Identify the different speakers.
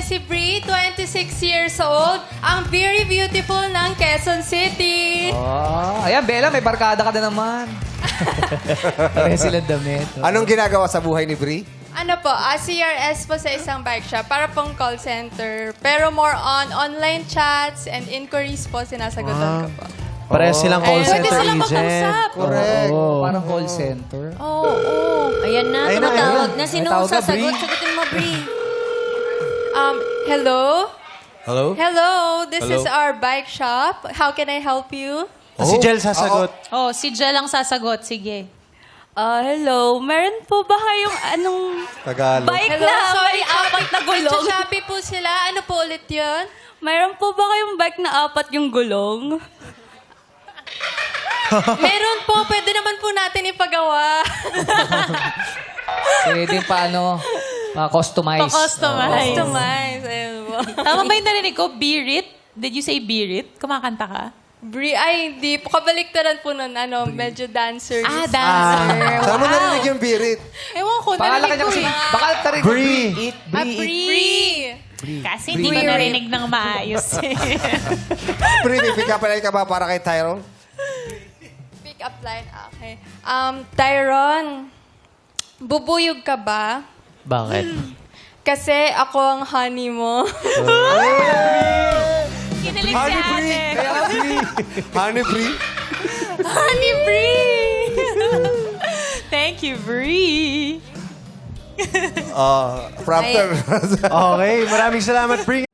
Speaker 1: si Bree, 26 years old. Ang very beautiful ng Quezon City.
Speaker 2: Oh, ayan, Bella, may barkada ka na naman. Pareha silang damit.
Speaker 3: Anong ginagawa sa buhay ni Brie?
Speaker 1: Ano po, CRS po sa isang bike shop. Para pong call center. Pero more on online chats and inquiries po sinasagutan ko po.
Speaker 4: Pareha silang call
Speaker 1: Pwede
Speaker 4: center
Speaker 1: silang
Speaker 4: agent.
Speaker 1: mag-usap.
Speaker 3: Correct.
Speaker 2: Parang call center.
Speaker 5: Oo. Ayan na,
Speaker 4: Ayun na,
Speaker 5: tumatawag
Speaker 4: ayun
Speaker 5: na. Sino
Speaker 2: May tawag ka,
Speaker 5: sasagot?
Speaker 2: Brie?
Speaker 5: Sagutin mo, Brie.
Speaker 1: Hello?
Speaker 4: Hello?
Speaker 1: Hello, this
Speaker 4: Hello?
Speaker 1: is our bike shop. How can I help you?
Speaker 4: Si Jel sasagot.
Speaker 6: Oh, si Jel ang sasagot. Sige.
Speaker 1: Hello. Meron po ba kayong anong
Speaker 4: Tagalog.
Speaker 6: Bike
Speaker 1: Hello?
Speaker 6: na
Speaker 1: Sorry,
Speaker 6: may apat na gulong.
Speaker 1: Sa Shopee po sila. Ano po ulit yun?
Speaker 6: Mayroon po ba kayong bike na apat yung gulong?
Speaker 1: Meron po. Pwede naman po natin ipagawa.
Speaker 2: Pwede paano, customize.
Speaker 6: Pa-customize.
Speaker 1: Customize. Ayun po.
Speaker 6: Tama ba yung narinig ko? Birit? Did you say birit? Kumakanta ka?
Speaker 1: Ay, hindi po. Kabaliktaran po nun. Medyo dancer.
Speaker 6: Dancer.
Speaker 3: Saan mo narinig yung birit?
Speaker 1: Ewan ko.
Speaker 2: Pangalan ka
Speaker 1: narinig
Speaker 2: niya
Speaker 1: ko
Speaker 2: kasi,
Speaker 1: eh.
Speaker 2: baka tarig
Speaker 4: Brie.
Speaker 2: Eat,
Speaker 1: Ah,
Speaker 2: Brie, eat.
Speaker 1: Bree.
Speaker 6: Kasi hindi ko narinig ng maayos.
Speaker 3: Brie, may pick up line ka ba para kay Tyrone?
Speaker 1: Pick up line. Okay. Tyron, bubuyog ka ba?
Speaker 4: Bakit?
Speaker 1: Kasi ako ang honey mo.
Speaker 6: Kinilig si ate.
Speaker 3: Honey Brie?
Speaker 1: Honey Bree!
Speaker 6: Thank you, Brie.
Speaker 3: Prompter.
Speaker 4: Okay, maraming salamat, Brie.